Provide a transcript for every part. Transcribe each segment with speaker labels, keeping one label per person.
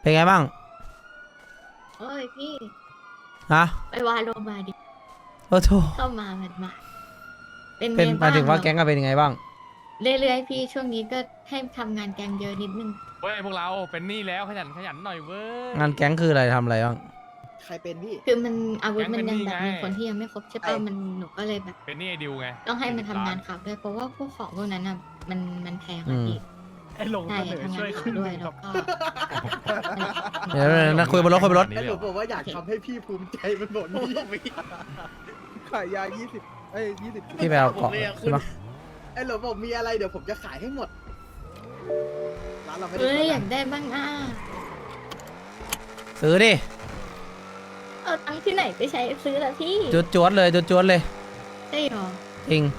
Speaker 1: เป็นไงบ้าง
Speaker 2: โอ้ยพี่
Speaker 1: ฮะ
Speaker 2: ไปวาโลมาดิ
Speaker 1: โอ้โห
Speaker 2: เข้ามามันมาเป็น
Speaker 1: เป็น
Speaker 2: ไง
Speaker 1: หมายถึงว่า
Speaker 2: บ้าง
Speaker 1: แก๊งกันเป็นยังไงบ้าง
Speaker 2: เรื่อยๆพี่ช่วงนี้ก็ให้ทำงานแกงเยอะนิดนึง
Speaker 3: เว้ยพวกเราเป็นหนี้แล้วขยันหน่อยเว้ย
Speaker 1: งานแก๊งคืออะไรทำอะไรบ้าง
Speaker 4: ใครเป็นพี่
Speaker 2: คือมันอาวุธ
Speaker 3: แก๊ง
Speaker 2: มัน
Speaker 3: เป็น
Speaker 2: ยัง
Speaker 3: หนี้
Speaker 2: แบบ
Speaker 3: ไง
Speaker 2: มีคนที่ยังไม่ครบใช่ป่ะมันหนูก็เลยแบบ
Speaker 3: เป็นหนี้ไอ้ดิวไง
Speaker 2: ต้องให้มันทำงานข่าวด้วยเพราะว่าพวกของพวกนั้นอ่ะมันแพงอะพี่
Speaker 5: ไอ้หลง
Speaker 2: ใช่
Speaker 5: เสนอ
Speaker 2: ทำงา
Speaker 5: ช่
Speaker 2: น
Speaker 5: วย
Speaker 2: ข่า
Speaker 5: ขึ้
Speaker 2: วน ด้วย
Speaker 5: ค
Speaker 2: แล้
Speaker 5: รั
Speaker 2: ว
Speaker 5: บ
Speaker 2: ก็
Speaker 1: เดี๋ยวนะคุยบนรถคุยบนรถ
Speaker 4: ไอ้หนูบอกว่าอยากทำให้พี่ภูมิใจมันหมดนี่
Speaker 5: ขายยา20 20
Speaker 1: พี่ไปเอาเกาะใช่ปะ
Speaker 4: ไอ้หนูบอกมีอะไรเดี๋ยวผมจะขายให้หมดร้านเราไม่ได้
Speaker 2: เอ้ย
Speaker 4: เปิด
Speaker 2: อยา
Speaker 4: นะ
Speaker 2: กได้บ้างอ่ะ
Speaker 1: ซื้อดิ
Speaker 2: เอาตังค์ที่ไหนไปใช้ซื้อละพี่
Speaker 1: จวดเลยจวดเลย
Speaker 2: ได้หรอ
Speaker 1: จริง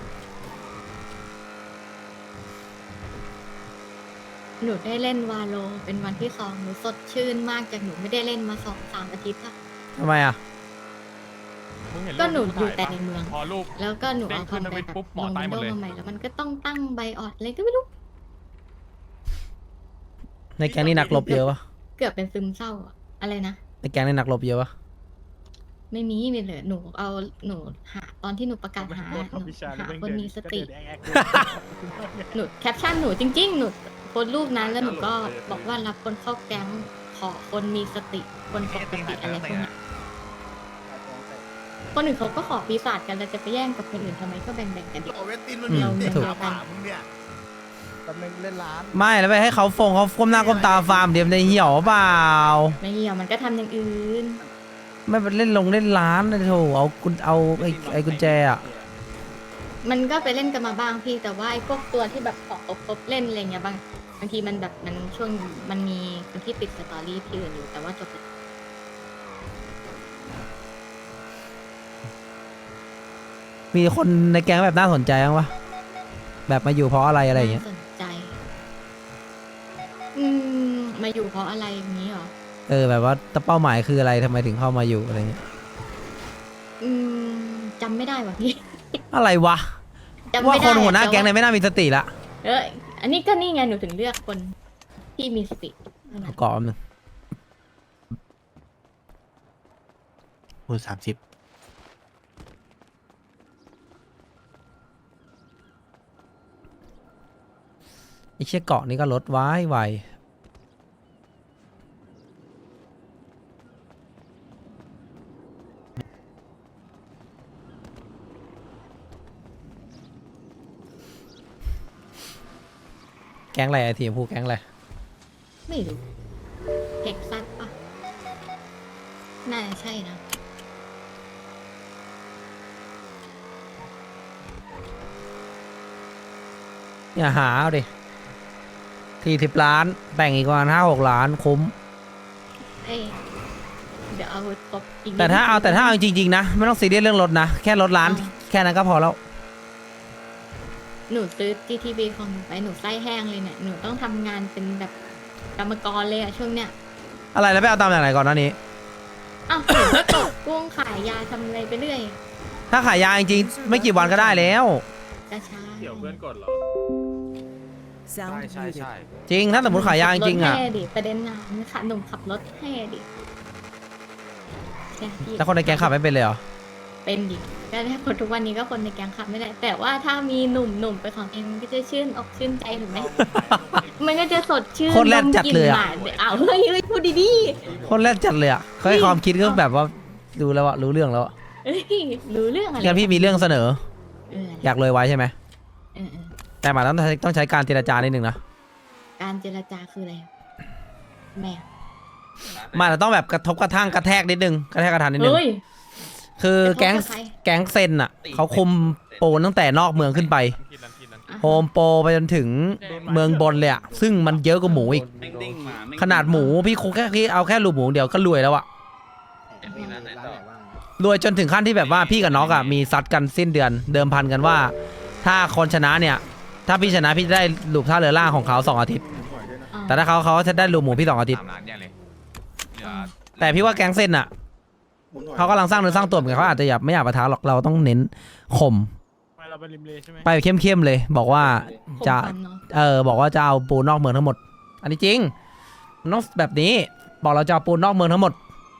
Speaker 2: หนูได้เล่นวาโลเป็นวันที่2หนูสดชื่นมากจากหนูไม่ได้เล่นมา2-3 อาทิตย์อะ
Speaker 1: ทำไมอ่ะ
Speaker 3: มึงเห็น
Speaker 2: ก็หนู
Speaker 3: รูป
Speaker 2: อยู่
Speaker 3: ถ่า
Speaker 2: แต่
Speaker 3: ปะ
Speaker 2: ในเมือง
Speaker 3: พอรูป
Speaker 2: แล้วก็หนูเอา
Speaker 3: เด้งขึ้น
Speaker 2: คอมไป
Speaker 3: ทวิต
Speaker 2: แบบ
Speaker 3: ปุ๊บหม
Speaker 2: ล
Speaker 3: อง ตายหมด
Speaker 2: โด
Speaker 3: เลย
Speaker 2: มาใหม่แล้วมันก็ต้องตั้งใบออดอะไรก็ไม่รู้
Speaker 1: ในแก๊งนี่นักรบเยอะปะ
Speaker 2: เกือบเป็นซึมเศร้าอะอะไรนะ
Speaker 1: ในแก๊งนี่นักรบเยอะปะ
Speaker 2: ไม่มีเลยหนูเอาหนูหาตอนที่หนูประกาศหาหนูหาคนมีสติ หนูแคปชั่นหนูจริงๆ หนูโพสต์รูปนั้นแล้วหนูก็บอกว่ารับคนเข้าแก๊งขอคนมีสติ คนปกติอะไรพวกเนี้ยคนอื่นเขาก็ขอปีศาจกันแล้วจะไปแย่งกับคนอื่นทำไมก็แบ่งๆกันดิ
Speaker 6: โอเวตินมัน
Speaker 2: เรา
Speaker 6: มี
Speaker 2: เมือง
Speaker 6: เดี
Speaker 2: เดี
Speaker 6: ย
Speaker 2: ยว วกัน
Speaker 6: มึงเนี่ย
Speaker 5: ตำแหน่งเล่นร้าน
Speaker 1: ไม่แล้วไปให้เขาเขาก้มหน้าก้มตาฟาร์มเดี๋ยวในเหี่ยวเปล่า
Speaker 2: ไม่เหี่ยวมันก็ทำอย่างอื่น
Speaker 1: ไม่ไปเล่นเล่นร้านนะโถเอาไอ้กุญแจอ่ะ
Speaker 2: มันก็ไปเล่นกันมาบ้างพี่แต่ว่าไอ้พวกตัวที่แบบขอครบเล่นอะไรเงี้ยบางทีมันแบบมันช่วงมันมีคนที่ติดสตอรี่ที่อื่นอยู่แต่ว่าจบแล้ว
Speaker 1: มีคนในแก๊งแบบน่าสนใจบ้างปะแบบมาอยู่เพราะอะไรอะไรอย่างเงี้ย
Speaker 2: น่าสนใจ มาอยู่เพราะอะไรอย่างนี้เหรอ
Speaker 1: แบบว่าเป้าหมายคืออะไรทำไมถึงเข้ามาอยู่อะไรเงี้ย
Speaker 2: จำไม่ได้ว่ะพี่
Speaker 1: อะไรวะ
Speaker 2: จำ
Speaker 1: ว่า
Speaker 2: ไม่
Speaker 1: ค
Speaker 2: ได้
Speaker 1: นหัวหน้า
Speaker 2: แต่
Speaker 1: แก๊งเนี่ยไม่น่ามีสติละ
Speaker 2: อันนี้ก็นี่ไงหนูถึงเลือกคนที่มีสติเท่านั้น
Speaker 1: เอาเกาะแป๊บนึง
Speaker 6: พูด30
Speaker 1: ไอ้เชี่ยเกาะนี่ก็ลดไว้ไวแก๊งอะไรไอ้ทีมผู้แก๊งอะไร
Speaker 2: ไม่รู้เท็กซัสปะน่าจะใช่นะ
Speaker 1: อย่าหาเอาดิ40 ล้านแบ่งอีกประมาณ5-6 ล้านคุ้ม
Speaker 2: เอ้ยเดี๋ยวเอาครบอีกนิด
Speaker 1: แต่ถ้าเอาจริงๆนะไม่ต้องซีเรียสเรื่องรถนะ แค่รถร้านแค่นั้นก็พอแล้ว
Speaker 2: หนูซื้อ GTB ของหนูไปหนูไส้แห้งเลยเนี่ยหนูต้องทำงานเป็นแบบกรรมกรเลยอะช่วงเนี้ย
Speaker 1: อะไรแล้วไปเอาตามจากไหนก่อนหน้านี้
Speaker 2: อ้าวหนูก็ตกกุ้งขายยาทำอะไรไปเรื่อย
Speaker 1: ถ้าขายยาจริงๆไม่กี่วันก็ได้แล้ว
Speaker 2: กระชา
Speaker 3: เกี่ยวเพื่อนกดเหรอ ใช่ใช่
Speaker 1: จริงถ้าสมมติขายยาจริงๆอ่ะ
Speaker 2: ขับถให้ดิประเด็นน่ะมันขับหนุ่มขับรถให้ดิใช่พี่
Speaker 1: แล้วคนในแก๊งขับไม่เป็นเลยเหรอ
Speaker 2: เป็นดิก็ได้คนทุกวันนี้ก็คนในแก๊งขับไม่ได้ แต่ว่าถ้ามีหนุ่มไปของเองมันก็จะชื่นอกชื่นใจถูกไหม มันก็จะสดชื่น
Speaker 1: โคตรแรดจัดเลยอะ
Speaker 2: นมกลิ่นหมาอ้าวเฮ้ยพูดดี
Speaker 1: คนแรกจัดเลยอ่ะเขาให้ความคิดก็แบบว่าดูแล้วอะรู้เรื่องแล้วอะ
Speaker 2: ๆเอ้ยรู้เรื่องอะไร
Speaker 1: งั้นพี่มีเรื่องเสนอ
Speaker 2: เออ
Speaker 1: อยากรวยไว้ใช่ไหม
Speaker 2: เออ
Speaker 1: แต่หมายต้องใช้การเจรจานิดนึงนะ
Speaker 2: การเจรจาคืออะไรแม่
Speaker 1: มันต้องแบบกระทบกระทั่งกระแทกนิดนึงกระแทกกระทันนิดนึง
Speaker 2: เฮ้ย
Speaker 1: คือแก๊ง
Speaker 2: กระทบกับใคร
Speaker 1: แก๊งเซนอ่ะเขาคุมโปรตั้งแต่นอกเมืองขึ้นไป
Speaker 2: อ่ะ
Speaker 1: โฮมโปรไปจนถึงเมืองบนเลยอ่ะซึ่งมันเยอะกว่าหมูอีก ขนาดหมูพี่คุกแค่พี่เอาแค่ลูกหมูเดียวก็รวยแล้วอ่ะ
Speaker 4: ร้านไหนว่าง
Speaker 1: รวยจนถึงขั้นที่แบบว่าพี่กับน้องอ่ะมีซัดกันสิ้นเดือนเดิมพันกันว่า ถ้าคนชนะเนี่ยถ้าพี่ชนะพี่จะได้ลูกท่าเรือล่างของเขา2 อาทิตย์
Speaker 2: อ่ะ
Speaker 1: แต่ถ้าเขาจะได้ลูกหมูพี่2 อาทิตย์
Speaker 3: 3 ล้านแย่เลยเหลือ
Speaker 1: แต่พี่ว่าแก๊งเส้นอ่ะเขากำลังสร้างเนื้อสร้างตัวเหมือนกันเขาอาจจะไม่อยากปะทะหรอกเราต้องเน้นข่ม
Speaker 5: ไปเราไปริมเลใช่ไหม
Speaker 1: ไปเข้มๆเลย บอกว่าจะ
Speaker 2: ข่มฟันเนอะ
Speaker 1: บอกว่าจะเอาปูนอกเมืองทั้งหมด อันนี้จริงมันต้องแบบนี้บอกเราจะเอาปูนนอกเมืองทั้งหมด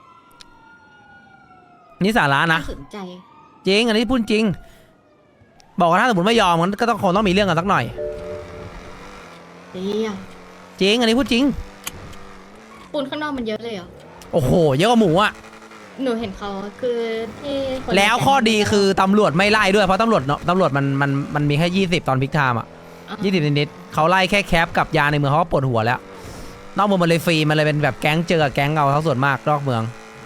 Speaker 1: นี่สาระนะ
Speaker 2: น่าสนใจ
Speaker 1: จริงอันนี้พูดจริง บอกว่าถ้าสมมติไม่ยอมมันก็ต้องคงต้องมีเรื่องกันสักหน่อย
Speaker 2: ดีอ่ะ
Speaker 1: จริงอันนี้พูดจริง
Speaker 2: ปูนข้างนอกมันเยอะเลยเหรอ
Speaker 1: โอ้โหเยอะกว่าหมูอะ
Speaker 2: หนูเห็นเขาคือที่คน
Speaker 1: แล้วข้อดีคือตำรวจไม่ไล่ด้วยเพราะตำรวจเนาะตำรวจมันมีแค่20ตอนพิกไทม์อะ 20นิดๆเขาไล่แค่แคปกับยาในเมืองเขาก็ปวดหัวแล้วนอกเมืองมันเลยฟรีมันเลยเป็นแบบแก๊งเจอกับแก๊งเอาทั้งส่วนมากนอกเมือง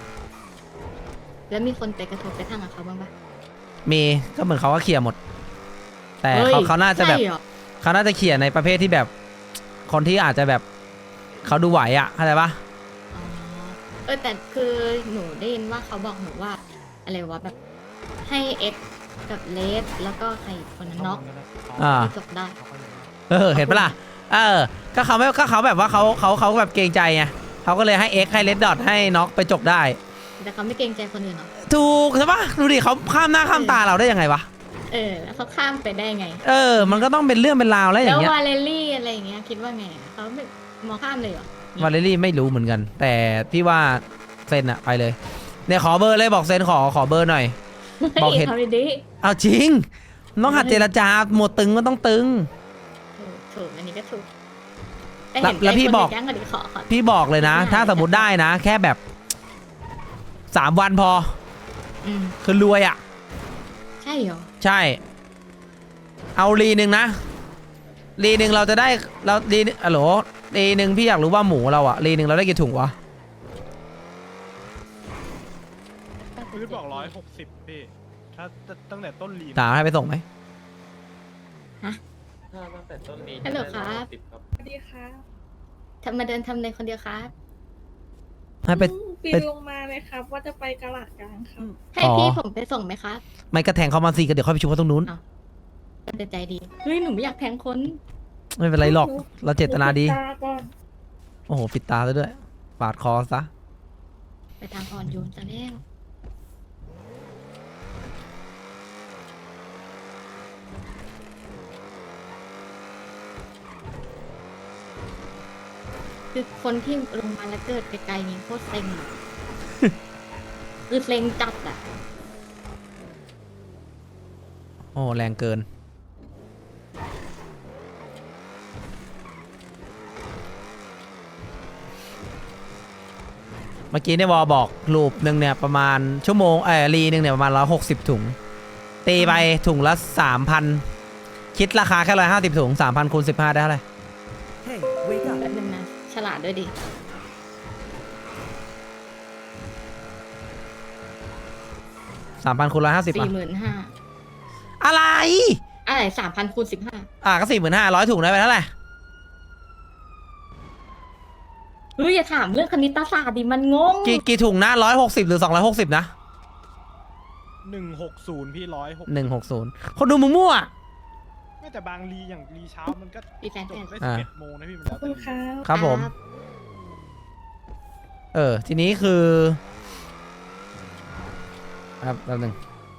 Speaker 2: แล้วมีคนไปกระทบกระทั่งกับเขาบ้างปะ
Speaker 1: มีก็เหมือนเขาก็เคลียร์หมด แต่
Speaker 2: ฮ้ย
Speaker 1: เขาน่าจะแบบ
Speaker 2: ใช่เหรอ
Speaker 1: เขาน่าจะเคลียร์ในประเภทที่แบบ คนที่อาจจะแบบเขาดูไหวอะเข้าใจปะ
Speaker 2: อ๋อแต่คือหนูได้ยินว่าเขาบอกหนูว่าอะไรวะแบบให้เอ็กกับเลสแล้วก็ใครอีกคนนั้นน็อก
Speaker 1: อ่า
Speaker 2: ที่จบได้
Speaker 1: เห็นปะล่ะก็เขาไม่ก็เขาแบบว่าเขาแบบเกรงใจไงเขาก็เลยให้ X ให้ Red Dot ให้น็อกไปจบได้
Speaker 2: แต่เขาไม่เกรงใจคนอื่นเหรอ
Speaker 1: ถูกใช่ปะดูดิเขาข้ามหน้าข้ามตาเราได้ยังไงวะ
Speaker 2: แล้วเขาข้ามไปได้ไง
Speaker 1: มันก็ต้องเป็นเรื่องเป็นราวแล้วอ
Speaker 2: แล้
Speaker 1: ย่าว งเงี้ย
Speaker 2: วาเลลี่อะไรอย่างเงี้ยคิดว่าไงอะเขาไม่มองข้ามเลยเหรอ
Speaker 1: วาเลรี่ไม่รู้เหมือนกัน แต่พี่ว่าเซนอะไปเลยเนี่ยขอเบอร์เลยบอกเซนขอเบอร์หน่อย บอกเห็น
Speaker 2: เขาดี
Speaker 1: เอาจริงต้องหัดเจรจาหมดตึงก็ต้องตึง
Speaker 2: ถูกอันนี้ก็ถูกแต่
Speaker 1: แล้ว
Speaker 2: เห็น
Speaker 1: แล้วพี่บอก
Speaker 2: แก๊งก็ดีขอ
Speaker 1: พี่บอกเลยนะ ถ้าสมมติได้นะ แค่แบบ3 วันพอ
Speaker 2: อืม
Speaker 1: คือรวยอะ
Speaker 2: ใช่เหรอ
Speaker 1: ใช่ เอารีหนึ่งนะรีหนึ่งเราจะได้เรารีอะโหลรีหนึ่งพี่อยากรู้ว่าหมูเราอะรีหนึ่งเราได้กี่ถุงวะ
Speaker 5: พื้นบอก160พี่ถ้าตั้งแต่ต้นลีน
Speaker 1: ถามให้ไปส่งไหม
Speaker 2: ฮัลโหลครับ
Speaker 7: สวัสดีค่ะ
Speaker 2: มาเดินทำในคนเดียวครับ
Speaker 1: ให้ไป
Speaker 7: ปี
Speaker 1: ไป
Speaker 7: นลงมาเลยครับ ว่าจะไปกะหลาดกลางครับ
Speaker 2: ให้
Speaker 1: อ๋อ
Speaker 2: พี่ผมไปส่งไหมครับ
Speaker 1: ไม่กระแทงเขามาสิก็เดี๋ยวค่อยไปชุบเขาตรงนู้น
Speaker 2: เป็นใจดีเฮ้ยหนูไม่อยากแทงคน
Speaker 1: ไม่เป็นไรหรอกเราเจตนาดี
Speaker 7: ตาก่อน
Speaker 1: โอ้โหปิดตาซะด้วยปาดคอซะ
Speaker 2: ไปทางอ่อนโยนซะแล้วคือคนที่ลงมาแล้วเกิดไกลๆนี่โคตรเซ็งอะ คือเซ็งจัดอ่ะ
Speaker 1: โอ้แรงเกินเมื่อกี้ในวอบอกลูปหนึ่งเนี่ยประมาณชั่วโมงรีหนึ่งเนี่ยประมาณ160 ถุง ตีไปถุงละ 3,000 คิดราคาแค่150 ถุง 3,000 คูณ 15 ได้เท่าไหร่
Speaker 3: Hey, wake up.
Speaker 2: แป๊บนึงนะ ฉลาดด้วยดิ
Speaker 1: 3,000 คูณ 150
Speaker 2: 45,000
Speaker 1: อะไร
Speaker 2: อะไร3,000 คูณ 15
Speaker 1: ก็ 45,000 100 ถุงได้ไปเท่าไหร่
Speaker 2: เฮ้ยอย่าถามเรื่องคณิตศาสตร์ดิมันงง
Speaker 1: กี่ถุงนะ160 หรือ 260 นะ
Speaker 5: 160พี่
Speaker 1: 160 คนดูมึงมั่ว
Speaker 5: ไม่แต่บางลีอย่างลีเช้ามันก็
Speaker 2: มีแฟน
Speaker 5: จ
Speaker 2: แฟน
Speaker 5: บได้
Speaker 1: อ่า
Speaker 5: 11 โมงนะพี่มัน
Speaker 7: ข
Speaker 5: แล้
Speaker 7: อบ
Speaker 5: ว
Speaker 7: คุณ
Speaker 5: แต่
Speaker 7: ครับ
Speaker 1: ครับผม ทีนี้คือครับแป๊บนึง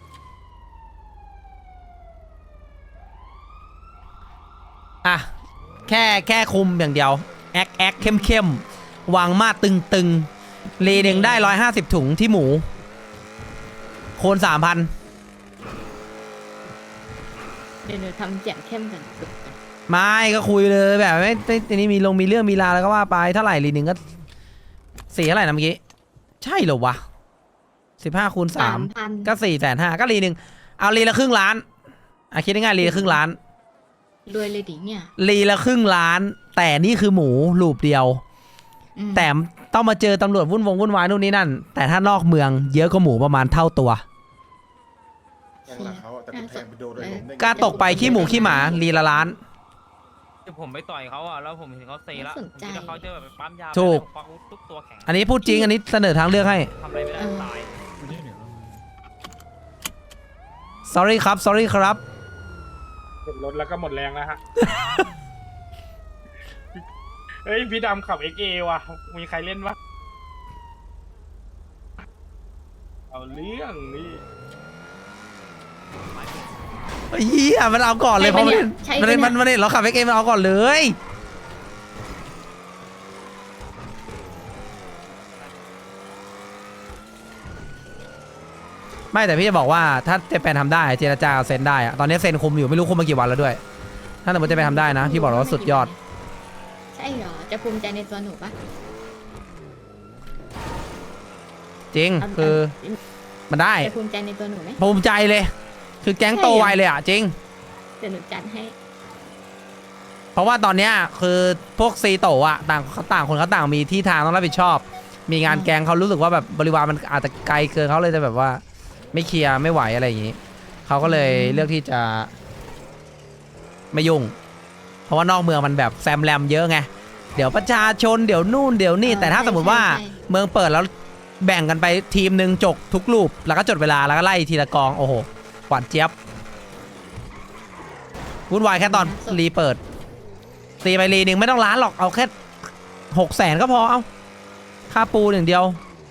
Speaker 1: แค่คุมอย่างเดียว แอคเข้มวางมาดตึงรีหนึ่งได้150 ถุงที่หมูโคน 3,000
Speaker 2: เดี๋ยวทำเสียงเข้มกัน
Speaker 1: ไม่ก็คุยเลยแบบไม่ทีนี้มีเรื่องมีราวแล้วก็ว่าไปเท่าไหร่รีหนึ่งก็4เท่าไหร่นะเมื่อกี้ ใช่เหรอวะ15 คูณ 3 ก็ 450,000 ก็รีหนึ่งเอารีละครึ่งล้านคิดง่ายๆรีละครึ่งล้าน
Speaker 2: รวยเลยดิเนี่ย
Speaker 1: รีละครึ่งล้าน แต่นี่คือหมูลูปเดียว
Speaker 2: อืม
Speaker 1: แต่ต้องมาเจอตำรวจวุ่นวายนู่นนี่นั่น แต่ถ้านอกเมืองเยอะกว่าหมูประมาณเท่าตัว
Speaker 8: หลังเขาแต่แทงไปโดนเลยล้มได้ไง
Speaker 1: กล้าตกไปขี้หมูขี้หมารีละล้าน
Speaker 9: คือผมไปต่อยเขาอ่ะแล้วผมเห็นเขาเซละผมคิดว่าเขาจะแบบไปปั๊มยา
Speaker 1: ถูก
Speaker 9: ไปแล้วผมปักทุกตัวแข็ง
Speaker 1: อันนี้พูดจริงอันนี้เสนอทางเลือกให้
Speaker 9: ทำอะไรไม่ได้ตาย
Speaker 1: sorry ครับ sorry ครับ
Speaker 5: รถแล้วก็หมดแรงแล้วฮะ เฮ้ยพี่ดำขับ XA ว่ะ มีใครเล่นวะเอาเรื่องนี่
Speaker 1: เฮียมันเอาก่อนเลยเพราะมันเราขับเอ็กเอ็มมันเอาก่อนเลยไม่แต่พี่จะบอกว่าถ้าเจแปนทำได้เจรจากับเซนได้อะตอนนี้เซนคุมอยู่ไม่รู้คุมมากี่วันแล้วด้วย ถ้าสมมติเจแปนทำได้นะพี่บอกเลยว่าสุดยอด
Speaker 2: ใช่เหรอจะภูมิใจในตัวหนูปะ
Speaker 1: จริงคือมันได้
Speaker 2: จะภูมิใจในตัวหนูไหม
Speaker 1: ภูมิใจเลย คือแก๊งโตไวเลยอ่ะจริง
Speaker 2: เดี๋ยวหนูจัดให้
Speaker 1: เพราะว่าตอนเนี้ยคือพวกซีโตะอ่ะต่างคนเขาต่างมีที่ทางต้องรับผิดชอบ มีงานแกงเขารู้สึกว่าแบบบริวารมันอาจจะไกลเกินเขาเลยจะแบบว่าไม่เคลียร์ไม่ไหวอะไรอย่างนี้เขาก็เลยเลือกที่จะไม่ยุ่ง เพราะว่านอกเมืองมันแบบแซมแรมเยอะไงเดี๋ยวประชาชนเดี๋ยวนู่นเดี๋ยวนี่แต่ถ้าสมมติว่าเมืองเปิดแล้วแบ่งกันไปทีมหนึ่งจกทุกรูปแล้วก็จดเวลาแล้วก็ไล่ทีละกองโอ้โหหวานเจี๊ยบวุ่นวายแค่ตอนรีเปิดตีไปรีหนึ่งไม่ต้องล้านหรอกเอาแค่600,000ก็พอเอาค่าปูอย่างเดียว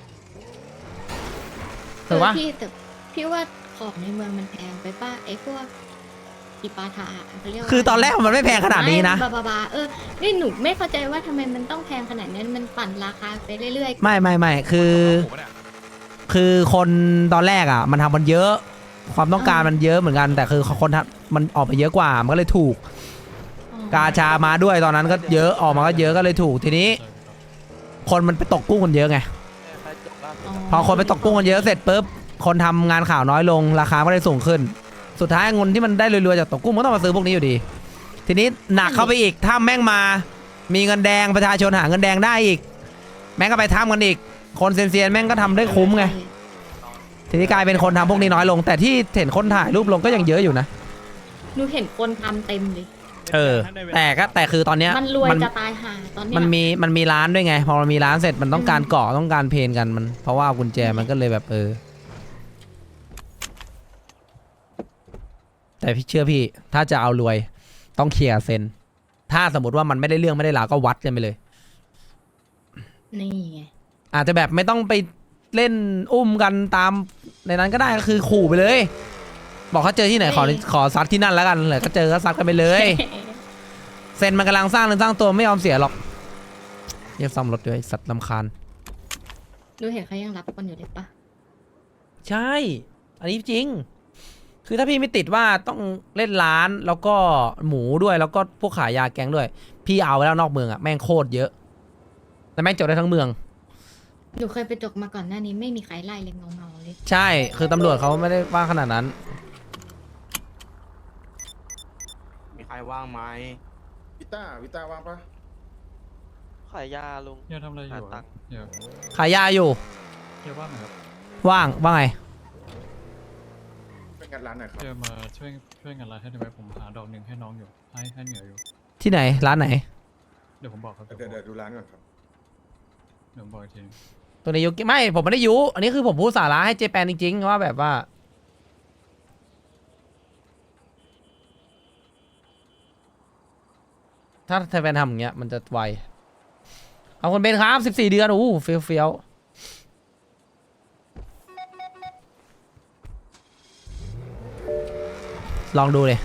Speaker 1: ถือว่า
Speaker 2: พี่ว่าของในเมืองมันแพงไปป่ะไอ้พวกอีปาถาเขาเรียกว่า
Speaker 1: คือตอนแรกมันไม่แพงขนาดนี้นะ
Speaker 2: บานี่หนูไม่เข้าใจว่าทำไมมันต้องแพงขนาดนั้นมันปั่นราคาไปเรื่อยๆ
Speaker 1: ไม่คือคนตอนแรกอ่ะมันทำมันเยอะ ความต้องการมันเยอะเหมือนกัน แต่คือคนทำมันออกไปเยอะกว่ามันก็เลยถูก กาชามาด้วยตอนนั้นก็เยอะออกมาก็เยอะก็เลยถูกทีนี้ คนมันไปตกกุ้งกันเยอะไงพอคนไปตกกุ้งกันเยอะเสร็จปุ๊บคนทำงานข่าวน้อยลงราคาก็เลยสูงขึ้น สุดท้ายเงินที่มันได้รวยๆจากตกกุ้งมันต้องมาซื้อพวกนี้อยู่ดี ทีนี้หนักเข้าไปอีกถ้าแม่งมามีเงินแดงประชาชนหาเงินแดงได้อีก แม่งก็ไปทำกันอีกคนเซียนๆแม่งก็ทำได้คุ้มไงทีนี้กลายเป็นคนทำพวกนี้น้อยลง แต่ที่เห็นคนถ่ายรูปลงก็ยังเยอะอยู่นะ
Speaker 2: หนูเห็นคนทำเต็มเลย
Speaker 1: แต่คือตอนเนี้ย
Speaker 2: มันรวยจะตายห่าตอนเนี้ย
Speaker 1: มันมีร้านด้วยไงพอมันมีร้านเสร็จมันต้องการเกาะต้องการเพนกันมันเพราะว่ากุญแจมันก็เลยแบบแต่พี่เชื่อพี่ถ้าจะเอารวยต้องเคลียร์เซนถ้าสมมติว่ามันไม่ได้เรื่องไม่ได้ราวก็วัดกันไปเลย
Speaker 2: นี่ไง
Speaker 1: อาจจะแบบไม่ต้องไปเล่นอุ้มกันตามในนั้นก็ได้ก็คือขู่ไปเลย บอกเขาเจอที่ไหนขอซัดที่นั่นแล้วกันเลยก็เจอก็ซัดกันไปเลย เซนมันกำลังสร้างเนื้อสร้างตัวไม่ยอมเสียหรอกเรียกซ่อมรถด้วยสัตว์ลำคาญ
Speaker 2: ดูเห็นเขายังรับคนอยู่เลยปะ
Speaker 1: ใช่ อันนี้จริง คือถ้าพี่ไม่ติดว่าต้องเล่นร้านแล้วก็หมูด้วยแล้วก็พวกขายยาแกงด้วย พี่เอาไว้แล้วนอกเมืองอะแม่งโคตรเยอะแต่แม่งจบได้ทั้งเมือง
Speaker 2: หนูเคยไปจกมาก่อนหน้านี้ไม่มีใครไล่เลยเงาๆเลย
Speaker 1: ใช่ คือตำรวจเขาไม่ได้ว่าขนาดนั้น
Speaker 6: มีใครว่างไหม
Speaker 8: วิต้าว่างปะ
Speaker 10: ขายยาลุง
Speaker 5: เฮียทำอะไรอยู่
Speaker 10: ตังค์
Speaker 5: เฮีย
Speaker 1: ขายยาอยู่
Speaker 5: เฮียว่างไหมครับ
Speaker 1: ว่างไง
Speaker 8: เป็นงานร้านหน่อยครับ
Speaker 5: เฮียมาช่วยงานร้านให้ได้ไหมผมหาดอกหนึ่งให้น้องอยู่ให้เหนืออยู่
Speaker 1: ที่ไหนร้านไหน
Speaker 5: เดี๋ยวผมบอกครับ
Speaker 8: เดี๋ยวดูร้านก่อนครับ
Speaker 5: เดี๋ยวผมบอกอีกที
Speaker 1: ตัวนี้ยุไม่ผมไม่ได้ยุอันนี้คือผมพูดสาระให้เจแปนจริงๆว่าแบบว่าถ้าเจแปนทำอย่างเงี้ยมันจะไวเอาคนเป็นครับ14 เดือนอู้เฟี้ยวลองดูเลย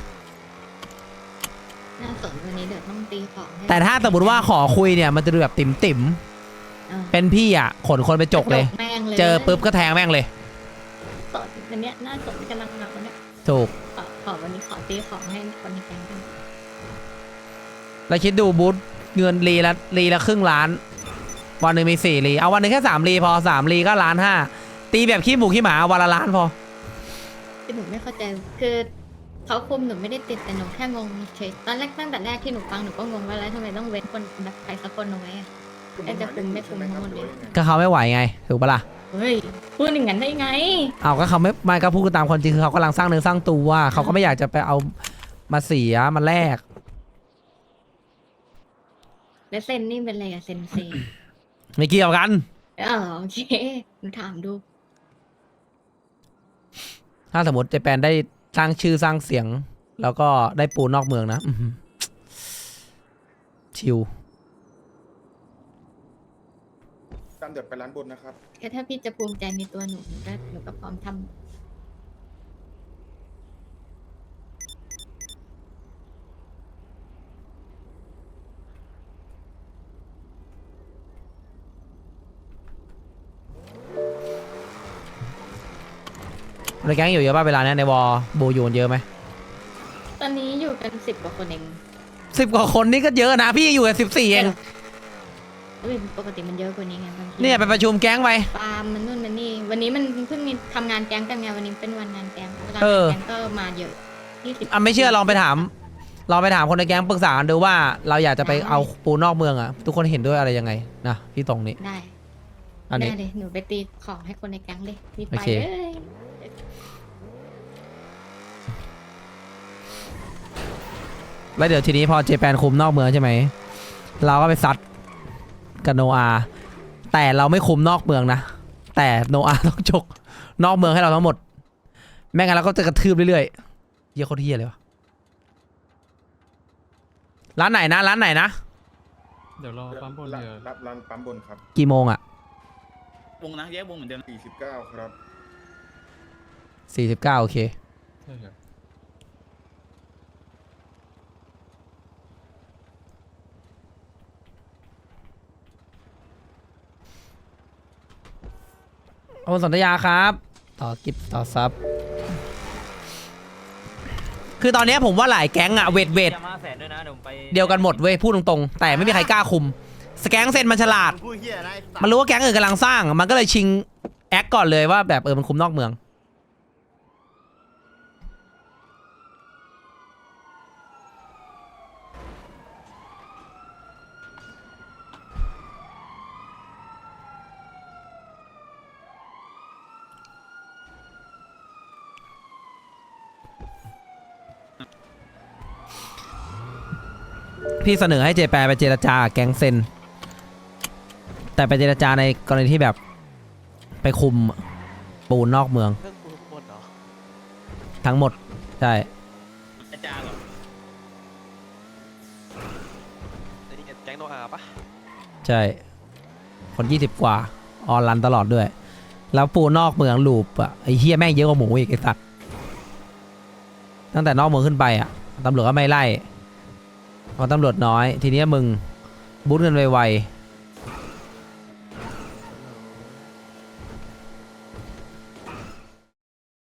Speaker 2: น่าสนวันนี้เดี๋ยวต้องตีของให้
Speaker 1: แต่ถ้าสมมติว่าขอคุยเนี่ยมันจะดูแบบติ่ม
Speaker 2: อ่า
Speaker 1: เป็นพี่อ่ะขนคนไปจกเลย
Speaker 2: แม่งเลย
Speaker 1: เจอปุ๊บก็แทงแม่งเลย
Speaker 2: สนวันเนี้ยน่าสนกำลังหนักวันเนี้ย
Speaker 1: ถูก
Speaker 2: ขอวันนี้ขอตีของให้คนในแก๊งกัน
Speaker 1: แล้วคิดดูบูธเงินรีละครึ่งล้าน วันหนึ่งมี4 รีเอาวันหนึ่งแค่3 รีพอ3 รีก็1.5 ล้านตีแบบขี้หมูขี้หมาวันละล้านพอ
Speaker 2: คือหนูไม่เข้าใจคือเขาคุมหนูไม่ได้ติดแต่หนูแค่งงเฉยตอนแรกตั้งแต่แรกที่หนูฟังหนูก็งงว่าแล้วทำไมต้องเว้นคนแบบใครสักคนเอาไว้อะ จะคุมไม่คุมทั้งหมดเลย
Speaker 1: ก็เขาไม่ไหวไงถูกปะล่ะ
Speaker 2: เฮ้ยพูดอย่างนั้นได้ไง
Speaker 1: เอาก็เขาไม่ก็พูดตามคนจริงคือเขากำลังสร้างเนื้อสร้างตัวเขาก็ไม่อยากจะไปเอามาเสียมาแลก
Speaker 2: แล้วเซนนี่เป็นอะไรอะเซนเซ
Speaker 1: ไม่เกี่ยวกัน
Speaker 2: โอเคหนูถามดู
Speaker 1: ถ้าสมมติเจแปนได้สร้างชื่อสร้างเสียง แล้วก็ได้ปูนอกเมืองนะอื้อหือชิว
Speaker 8: ตามเดี๋ยวไปร้านบนนะครับ
Speaker 2: แค่ถ้าพี่จะภูมิใจในตัวหนูหนูก็พร้อมทำ
Speaker 1: ในแก๊งอยู่เยอะป่ะเวลาเนี้ยในวอลโบอยู่กันเยอะไหม
Speaker 2: ตอนนี้อยู่กัน10 กว่าคนเอง
Speaker 1: 10 กว่าคนนี่ก็เยอะนะพี่อยู่กัน14เอง
Speaker 2: ปกติมันเยอะกว่านี้ไงบางที
Speaker 1: เนี่ยไปประชุมแก๊งไป
Speaker 2: ปาล์มมันนู่นมันนี่วันนี้มันเพิ่งมีทำงานแก๊งกันไงวันนี้เป็นวันงานแก๊งเวลา
Speaker 1: เออ
Speaker 2: แก๊งก็มาเยอะ20
Speaker 1: อ่ะไม่เชื่อลองไปถามคนในแก๊งปรึกษากันดูว่าเราอยากจะไปเอาปูนอกเมืองอ่ะทุกคนเห็นด้วยอะไรยังไงนะพี่ตรงนี้
Speaker 2: ได้
Speaker 1: อันนี้
Speaker 2: ได้เลยหนูไปตีของให้คนในแก๊งเลยรีบ
Speaker 1: โอ
Speaker 2: ไป
Speaker 1: เค
Speaker 2: เลย
Speaker 1: แล้วเดี๋ยวทีนี้พอเจแปนคุมนอกเมืองใช่ไหมเราก็ไปซัดกับโนอาแต่เราไม่คุมนอกเมืองนะแต่โนอาต้องจกนอกเมืองให้เราทั้งหมดแม่งั้นเราก็จะกระทืบเรื่อยๆเยี่ยโคตรเฮียเลยวะร้านไหนนะ
Speaker 5: เดี๋ยวรอปั๊มบนเดี๋ยว
Speaker 8: รับร้านปั๊มบนครับ
Speaker 1: กี่โมงอ่ะ
Speaker 11: วงนะแยกวงเหมือนเดิม
Speaker 8: 49 ครับ
Speaker 1: 49โอเค
Speaker 5: ใช่ครับ
Speaker 1: โอนสัญญาครับต่อกิฟต่อซับคือตอนเนี้ยผมว่าหลายแก๊งอะเวท
Speaker 9: จะมาแสนด้วยนะเดี๋ยวผมไป
Speaker 1: เดียวกันหมดเว้ยพูดตรงๆแต่ไม่มีใครกล้าคุมสแก๊งเซนมันฉลาด
Speaker 11: พูดเฮียนะไอ้สัตว์
Speaker 1: มันรู้ว่าแก๊งอื่นกำลังสร้าง มันก็เลยชิงแอคก่อนเลยว่าแบบมันคุมนอกเมืองพี่เสนอให้เจแปนไปเจรจาแก๊งเซนแต่ไปเจรจาในกรณีที่แบบไปคุมปูนนอกเมือง
Speaker 10: เรื่องกูหมดเหรอ
Speaker 1: ทั้งหมดใช่
Speaker 11: อาจารย์เหรอ
Speaker 10: ไอ้นี่แก๊งโนอาปะ
Speaker 1: ใช่คน20 กว่าออนรันตลอดด้วย แล้วปูนอกเมืองลูปอ่ะไอ้เฮียแม่งเยอะกว่าหมูอีกไอ้สัตว์ตั้งแต่นอกเมืองขึ้นไปอ่ะตำรวจก็ไม่ไล่เพราะตำรวจน้อย ทีเนี้ยมึงบูทเงินไวๆ